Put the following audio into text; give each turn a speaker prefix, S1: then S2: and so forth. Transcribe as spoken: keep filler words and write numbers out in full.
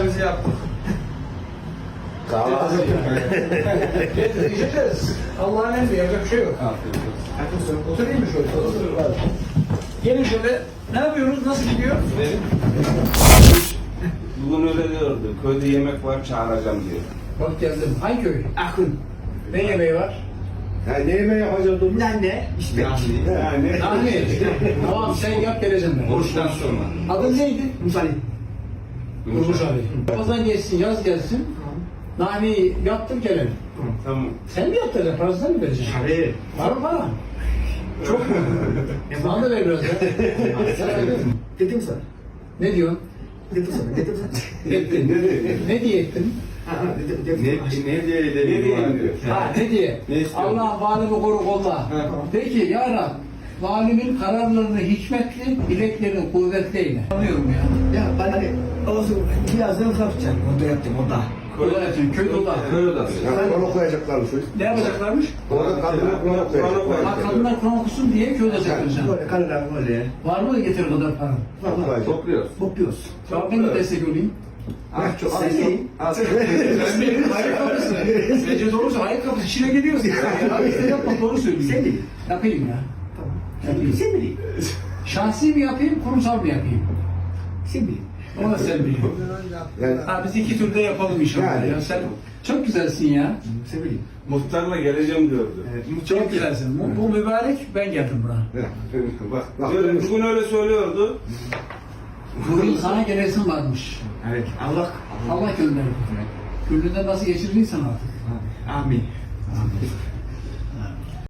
S1: kahvemizi yaptık.
S2: Kahve hazır.
S1: İçeceğiz. Allah'ın emri, yapacak bir şey yok.
S3: Afiyet olsun.
S1: Oturayım mı şöyle? Otur. Gelin şöyle. Ne yapıyoruz? Nasıl gidiyor?
S4: Bugün öyle diyordu. Köyde yemek var, çağıracağım diyor.
S1: Bak geldim. Hangi köy?
S3: Akın.
S1: Ne yemeği var?
S2: Ha, ne yemeği yapacağız Durmuş?
S3: Anne. İşte.
S2: Yani.
S1: Nahmi. Tamam sen yap geleceğim ben.
S4: Oruçtan sonra.
S1: Adın neydi?
S3: Musali.
S1: Durmuş abi. Ramazan geçsin, yaz gelsin. Nahmi'yi yaptır gelelim.
S4: Tamam.
S1: Sen mi yaptıracaksın? Parasını mı vereceksin?
S3: Tabii.
S1: Var mı para? Çok mu? Bana da ver biraz ya.
S3: Dedim sana.
S1: Ne diyorsun?
S3: Dedim sana. Dedim sana.
S1: Ettin. Ne diye ettin?
S3: Ha, ha, dedim, dedim.
S2: Ne, ne diye
S4: Ne
S2: edelim
S4: diye
S2: var
S4: diyor?
S1: Ha ne diye?
S2: Ne istiyorsun?
S1: Allah valimi koru kolla. Peki ya Rab, valimin kararlarını hikmetli, bileklerini kuvvetli eyle. Anlıyorum ya.
S3: Ya ben hani olsun birazdan kapacağım. Onda yaptım onda.
S1: Kola yapayım, köy dola.
S4: Köy odası.
S2: Ya konu koyacaklarmış.
S1: Ne yapacaklarmış?
S2: Orada kadına konu koyacaklar.
S1: Ha, kadınlar Kur'an okusun diye köy odası yapacağım.
S3: Böyle karılar böyle.
S1: Var mı getir o kadar para?
S3: Valla.
S4: Topluyoruz.
S3: Kopuyoruz.
S1: Ya ben de destek olayım.
S4: Az çok, az
S3: Sen
S4: çok.
S3: iyi.
S4: Az çok.
S1: Sen benim hayır kapısı. Sence doğrusu hayır kapısı içine geliyorsun. Ya işte yapma doğru söylüyorsun.
S3: Sen değil.
S1: Yapayım ya.
S3: Tamam.
S1: Yapayım.
S3: Sen bileyim.
S1: Şahsi mi yapayım, kurumsal mı yapayım?
S3: Sen bileyim.
S1: Onu da sen biliyorsun.
S2: Yani
S1: Ha biz iki türde yapalım inşallah
S2: Yani.
S1: ya. Sen çok güzelsin ya.
S3: Sen bileyim.
S4: Muhtarla geleceğim diyordu.
S3: Evet.
S1: Çok güzelsin. Bu, bu mübarek ben geldim buna.
S2: bak bak
S4: Öyle,
S2: Durmuş.
S4: bugün öyle söylüyordu.
S1: Bugün sana gelesin varmış.
S3: Evet. Allah.
S1: Allah gönderdi. Gönlünden nasıl geçirdiysen artık.
S3: Amin.
S1: Amin.